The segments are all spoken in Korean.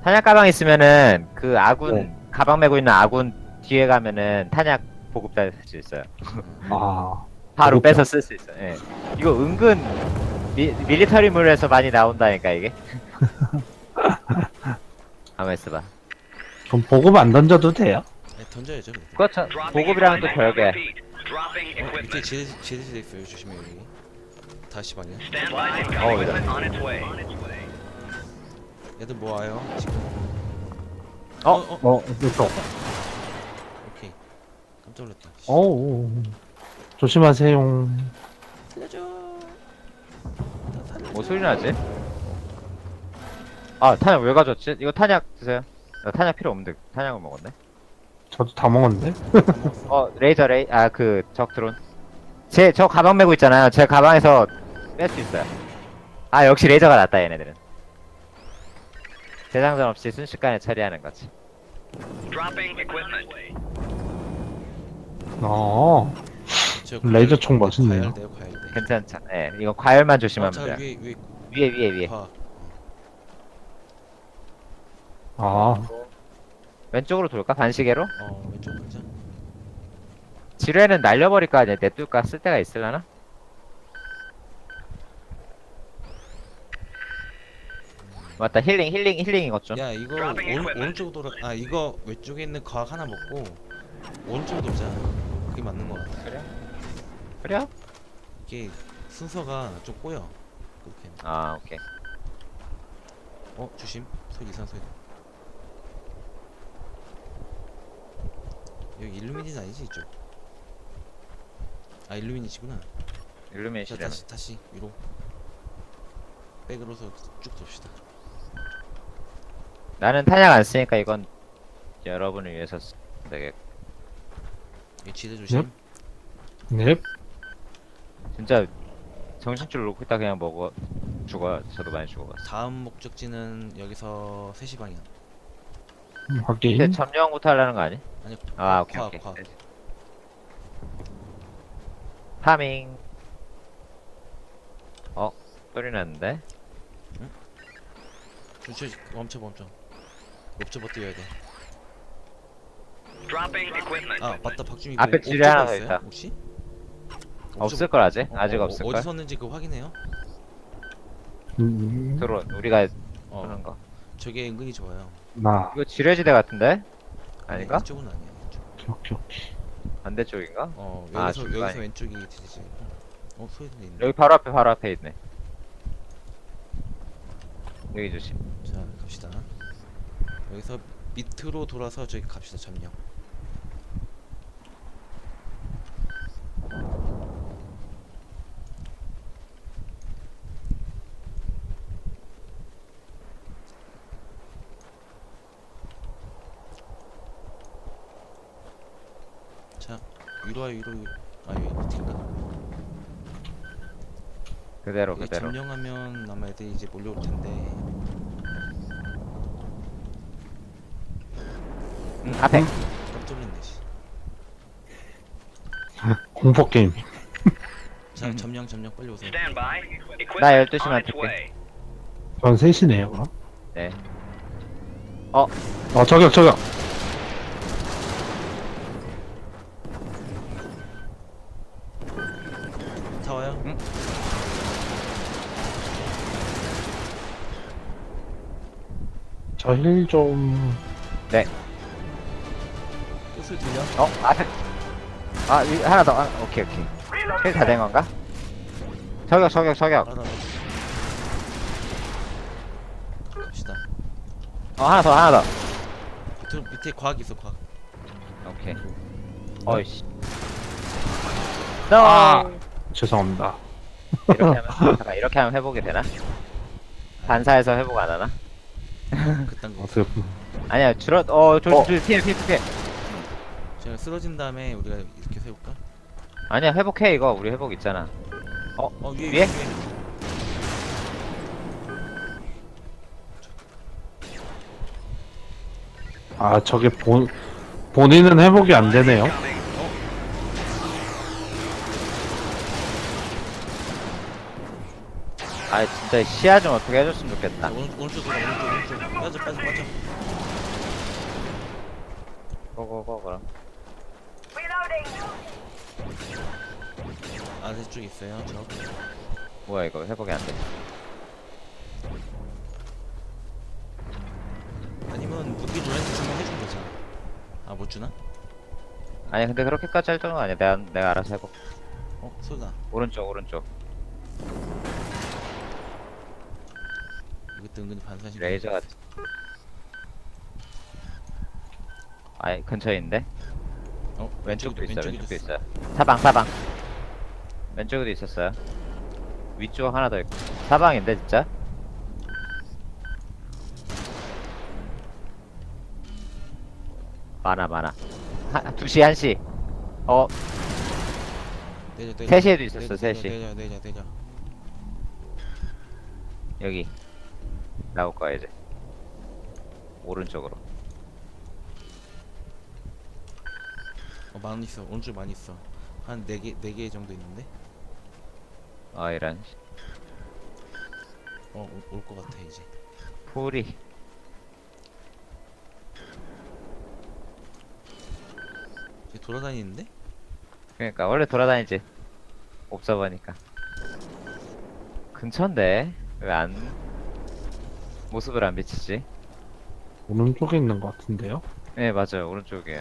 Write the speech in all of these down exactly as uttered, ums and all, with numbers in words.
탄약 가방 있으면은 그 아군 네. 가방 메고 있는 아군 뒤에 가면은 탄약 보급할 수 있어요. 아, 바로 보급형. 빼서 쓸 수 있어요. 예. 이거 은근 미, 밀리터리물에서 많이 나온다니까 이게. 가만 있어봐. 그럼 보급 안 던져도 돼요? 네, 던져야죠. 그래도. 그렇죠. 보급이랑 또 별개. 어, 밑에 제드 제드 돼 있어요. 조심해 여기. 다시 방이야. 어, 이다. 얘들 뭐 와요? 지금. 어? 어? 어, 이거. 오케이. 깜짝 놀랐다. 어, 조심하세요. 살려줘. 나 살려줘. 뭐 소리 나지? 아 탄약 왜 가져왔지? 이거 탄약 드세요. 나 탄약 필요 없는데 탄약을 먹었네. 저도 다 먹었는데? 어 레이저 레이 아 그 적 드론. 제 저 가방 메고 있잖아요. 제 가방에서 뺄 수 있어요. 아 역시 레이저가 낫다 얘네들은. 재장전 없이 순식간에 처리하는 거지. 어, 저 레이저 과열- 총 멋있네요. 과열돼요, 과열돼. 괜찮죠? 예, 이거 과열만 어, 조심하면 잠깐 돼요. 위에 위에 위에 위에 위에. 봐. 아, 왼쪽으로 돌까? 반시계로? 어 왼쪽 가자. 지뢰는 날려버릴까? 아니면 냅둘까? 쓸 때가 있을라나? 맞다 힐링 힐링 힐링 이것 좀. 야 이거 오른 오른쪽으로 돌아. 아 이거 왼쪽에 있는 과학 하나 먹고 오른쪽으로 돌자. 그게 맞는 거 같아. 그래? 그래요? 이게 순서가 좀 꼬여. 그렇게. 아 오케이. 어 조심. 소리 이상 소리. 여기 일루미니는 아니지 이쪽. 아 일루미니시구나. 자 일루미네이션. 다시 다시 위로. 백으로서 쭉 돕시다. 나는 탄약 안 쓰니까 이건 여러분을 위해서 쓰 되겠고. 여기 지대 조심. 넵. 진짜 정신줄 놓고 있다 그냥 먹어 죽어. 저도 많이 죽어봤어. 다음 목적지는 여기서 세 시 방향. 음, 확인. 근데 점령부터 하려는 거 아니? 아니 아 오케이 과학 오케이. 과학. 파밍. 어 소리 났는데? 멈춰 멈춰 멈춰. 멈춰 버텨야 돼. 아 맞다 박준이. 그 앞에 지뢰 옵저버 하나 더 있어요? 있다. 혹시? 없을 걸 아직? 어, 아직 어, 없을 어디 걸. 섰는지 그거 확인해요. 음, 드론 우리가 어 쏘는 거. 저게 은근히 좋아요. 나. 이거 지뢰지대 같은데? 아니, 아닌가? 이쪽은 아니야. 이쪽. 오케이, 오케이. 반대쪽인가? 어 아, 여기서 중간에. 여기서 왼쪽이 되지. 어 소리 들리네. 여기 바로 앞에 바로 앞에 있네. 여기 조심. 자 갑시다. 여기서 밑으로 돌아서 저기 갑시다. 점령. 자 위로 와 위로. 위로. 아 여기 밑인가? 그대로 여기 그대로. 점령하면 아마 애들이 이제 몰려올 텐데. 응, 앞에. 깜짝 놀랐네. 씨. 공포 게임. 자 음. 점령 점령 빨리 오세요. 나 열두 시만 뜰게. 전 셋이네요, 그럼. 네. 어, 저격, 저격. 다 와요? 응? 저 힐 좀. 뜻을 들려? 어 앞에. 아 이, 하나 더. 아, 오케이 오케이. 킬 다 된 건가? 저격 저격 저격. 알아. 갑시다. 어 하나 더 하나 더. 밑에 밑에 과학 있어 과학. 오케이. 어이씨. 너. 아. 죄송합니다. 이렇게 하면 잠깐 이렇게 하면 회복이 되나? 반사해서 회복 안 하나? 그딴 거. 어떻게, 아니야 줄어. 어 조심 어. 조심 피해 피해 피해. 제가 쓰러진 다음에 우리가 이렇게 세울까? 아니야 회복해 이거 우리 회복 있잖아. 어 어 위에 위에? 위에. 아, 저게 본, 본인은 회복이 안 되네요. 아 진짜 시야 좀 어떻게 해줬으면 자, 좋겠다. 오른, 오른쪽 돌아 오른쪽 오른쪽 빠져 빠져 빠져. 고고고 그럼. 아래쪽 있어요 저. 뭐야 이거 회복이 안 돼. 아니면 무기 노란색 주면 해준 거잖아. 아 못 주나? 아니 근데 그렇게까지 할 정도는 아니야. 내가 내가 알아서 해볼. 어 소리나. 오른쪽 오른쪽. 이것도 은근히 반사신. 레이저 같은. 아니 근처에 있는데. 어 왼쪽도 있어. 왼쪽에도 왼쪽도 있어. 있어요. 사방 사방. 왼쪽에도 있었어요. 위쪽 하나 더 있고. 사방인데 진짜. 많아 많아. 한 두시 한시. 어 내려 내려. 세 시에도 있었어. 내려, 세 시. 내려 내려 내려. 여기 나올 거야 이제. 오른쪽으로. 어 많이 있어. 오른쪽 많이 있어. 한 네 개 네 개 정도 있는데. 어 이런 어올 것 같아 이제. 풀이. 이제 돌아다니는데? 그러니까 원래 돌아다니지. 없어 보니까. 근처인데 왜 안 모습을 안 비치지? 오른쪽에 있는 것 같은데요? 네 맞아요 오른쪽이에요.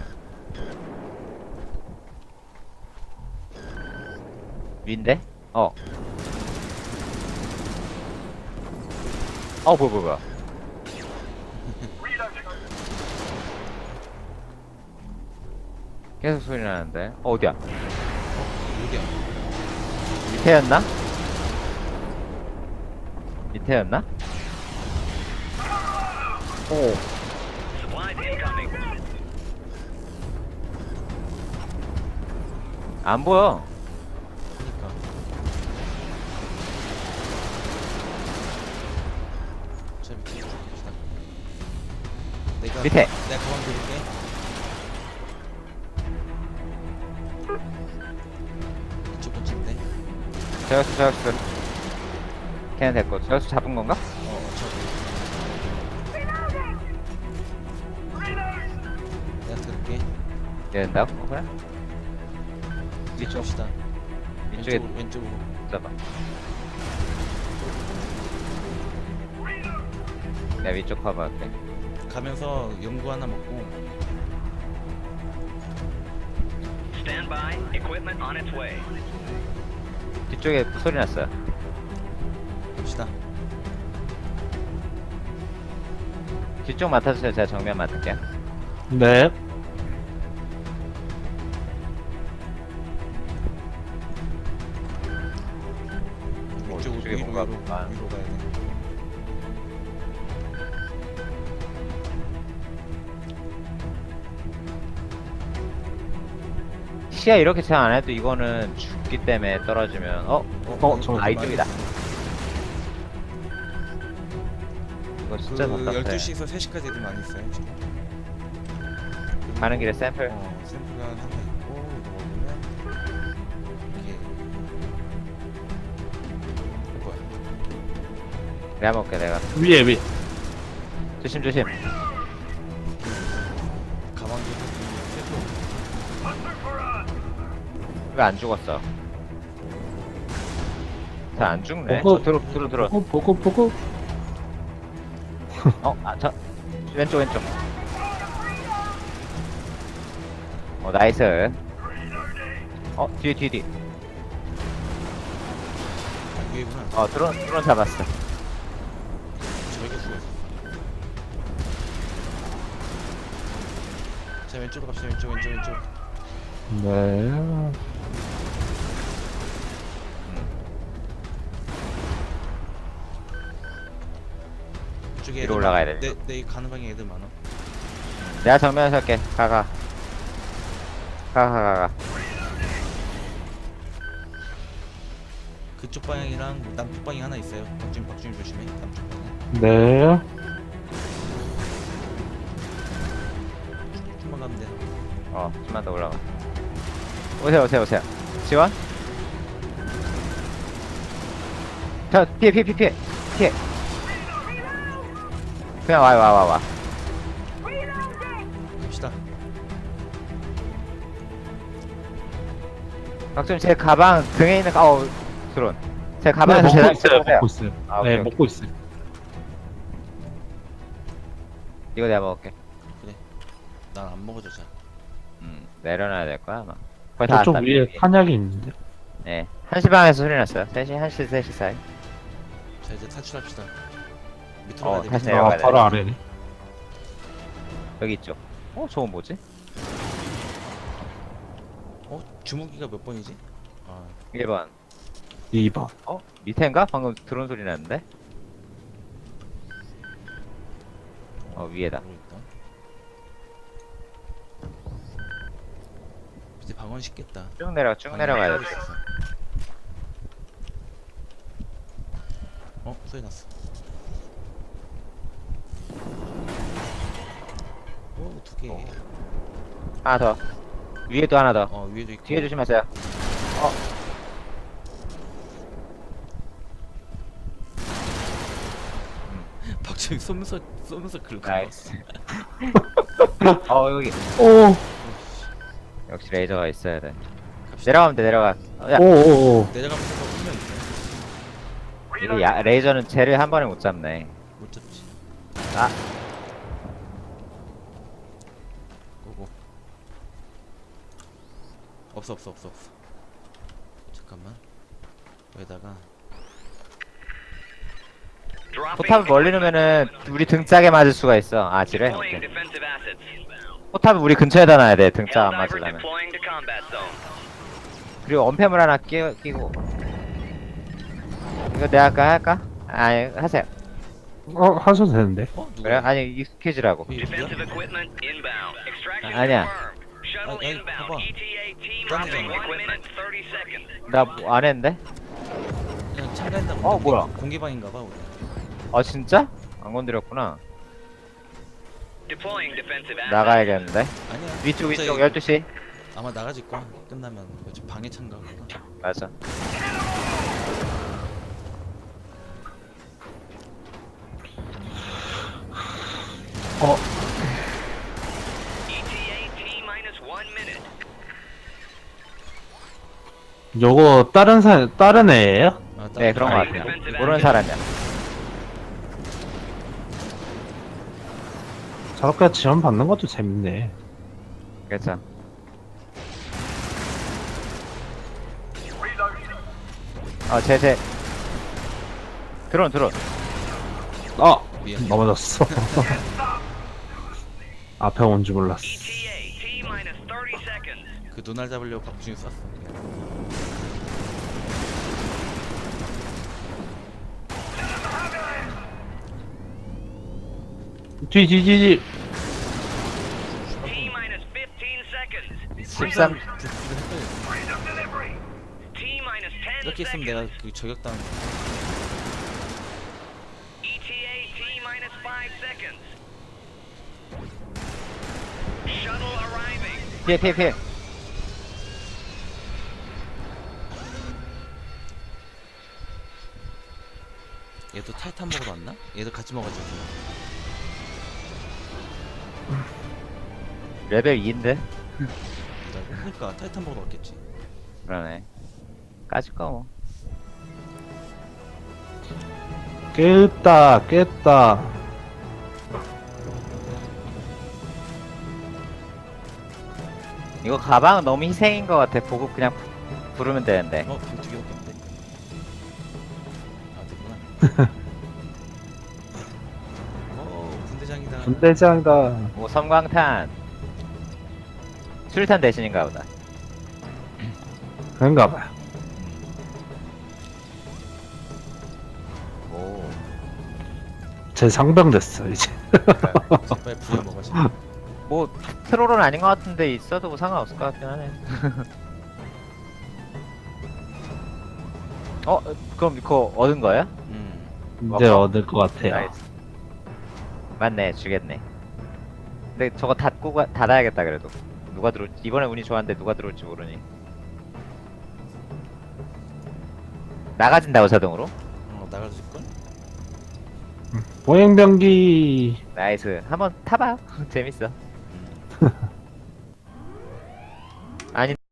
위인데? 어. 어 뭐야 뭐야 뭐야. 계속 소리 나는데. 어 어디야? 여기야. 밑에였나? 밑에였나? 오. 안 보여. 그니까. 자 밑에 쭉 갑시다. 내가 밑에. 내가 가방 드릴게. 이쪽 근처인데. 저격수 저격수. 걔는 됐고 저격수 잡은 건가? 어 저기. 내가 들을게. 얘 된다고? 어, 그래? 이쪽 시다. 이쪽에 왼쪽으로 왼쪽으로. 잡아. 내가 위쪽 커버할게. 가면서 연구 하나 먹고. Stand by. Equipment on its way. 뒤쪽에 소리 났어요. 갑시다. 뒤쪽 맡아주세요. 제가 정면 맡을게요. 네. 뭐, 이쪽으로 이쪽에 위로 뭔가 위로 아. 위로 가야 돼. 시야 이렇게 잘 안 해도 이거는 죽기 때문에 떨어지면 어? 어, 저- 아 이쪽이다. 이거 진짜 그 답답해. 열두 시에서 세 시까지 애들 많이 있어요 지금. 가는 길에 샘플. 어, 샘플가 하나 있고 이거 먹으면 이게 이거 뭐야? 내가 먹게 내가. 위에 위. 조심 조심. 가방도 샘플. 왜 안 죽었어? 잘 안 죽네. 보고- 어, 들어 들어 들어. 보고 보고 보고. 어, 아, 저 왼쪽 왼쪽. 어, 나이스. 어, 뒤에 뒤에 뒤에. 아, 위에구나. 어, 드론 드론 잡았어. 저기가 죽었어. 자 왼쪽으로 갑시다. 왼쪽 왼쪽 왼쪽. 네. 이쪽에 위로 애들 올라가야 많아. 돼. 내, 내 가는 방에 애들 많아. 내가 정면에서 할게. 가가. 가가 가가. 그쪽 방향이랑 남쪽 방향 하나 있어요. 박준 박준 조심해. 남쪽 방향. 네. 좀만 가면 돼. 어, 좀만 더 올라가. 오세요 오세요 오세요. 지원? 저 피해 피해 피해 피해 피해. 그냥 와요 와 와 와. 갑시다. 박수님 제 가방 등에 있는 가- 어우 드론. 제 네, 가방에서 먹고 제가 있어요. 먹고 있어요. 아, 오케이, 네, 오케이. 먹고 있어요. 이거 내가 먹을게. 난 안 먹어줘 잘. 음 내려놔야 될 거야 아마. 거의 다 저쪽 왔다. 위에 탄약이 있는데. 네. 한시 방에서 소리 났어요. 셋시 한시 셋시 사이. 자 이제 탈출합시다. 밑으로 어, 가야 돼. 다시 밑으로. 내려가야 아, 돼. 바로 아래네. 여기 있죠. 어 저건 뭐지? 어 주무기가 몇 번이지? 아 일 번. 이 번. 어 밑에인가? 방금 드론 소리 났는데. 어 위에다. 모르겠다. 밑에 방언 쉽겠다. 쭉 내려 쭉 내려가야 돼. 어 소리 났어. 오두 개. 하나 더. 위에도 하나 더. 어 위에도 있고. 뒤에 조심하세요. 박정희 쏘면서 쏘면서 긁어. 나이스. 어 여기. 오, 역시 레이저가 있어야 돼. 갑시다. 내려가면 돼 내려가. 어, 야 오, 오, 오. 내려가면서 분명 있네. 이게 야, 레이저는 쟤를 한 번에 못 잡네. 못 잡지. 아 고고. 없어 없어 없어 없어. 잠깐만. 여기다가 Dropping 포탑을 멀리 놓으면은 우리 등짝에 맞을 수가 있어. 아 지뢰? deploying 오케이. defensive assets. 포탑을 우리 근처에다 놔야 돼. 등짝 안 Helldiver 맞으려면. deploying to combat zone. 그리고 언패물 하나 끼, 끼고. 이거 내가 할까 할까? 아니 하세요. 어, 하셔도 되는데. 어 누가? 그래? 아니 익숙해지라고. 이게 누구야? Defensive equipment inbound. Extraction 아, 아니야. confirmed. Shuttle 아니, 아니, inbound. 봐봐. E T A team 딴 dropping 데잖아. one minute thirty seconds. 나 뭐 안 했는데? 그냥 참가했나 보다. 어, 뭐야? 공개방인가봐 우리. 아 진짜? 안 건드렸구나. Deploying defensive assets. 나가야겠는데? 아니야. 위쪽 위쪽 갑자기 열두 시. 아마 나가질 거야. 끝나면 어차피 방해 참가구나. 맞아. 어, E T A T minus one minute. 요거 다른 사, 다른 애예요? 아, 네 그런 거 거 같아요. 모르는 사람이야. 저렇게 지원 받는 것도 재밌네. 그렇죠. 어, 제, 제. 드론, 드론. 아, 미안. 넘어졌어. 앞에 온 줄 몰랐어. E T A T minus thirty seconds. 그 눈알 잡으려고 박준이 쐈어. 뒤, 뒤, 뒤, 뒤. T minus fifteen seconds. 십삼. T minus ten 이렇게 있으면 seconds. 내가 그 저격당. E T A T minus five seconds. Shuttle arriving. 피해, 피해, 피해. 얘도 타이탄 먹으러 왔나? 얘도 같이 먹어야지. 레벨 이인데? 그러니까 타이탄 먹으러 왔겠지. 그러네. 까짓 거 뭐. 깼다, 깼다. 이거 가방은 너무 희생인 것 같아. 보급 그냥 부- 부르면 되는데. 어, 두 개밖에 없는데. 아, 됐구나. 어, 분대장이다. 분대장이다. 뭐, 섬광탄. 수류탄 대신인가 보다. 그런가 봐요. 오. 제 상병 됐어, 이제. 빨리 부여 먹어야지. 뭐, 트롤은 아닌 것 같은데 있어도 뭐 상관없을 것 같긴 하네. 어? 그럼 그거 얻은 거예요? 음. 이제 얻을 것 같아요. 나이스. 맞네, 주겠네. 근데 저거 닫고 가, 닫아야겠다 그래도. 누가 들어 이번에 운이 좋았는데 누가 들어올지 모르니. 나가진다고 자동으로? 어, 어 나가줄걸? 보행병기. 나이스. 한번 타봐. 재밌어. 아니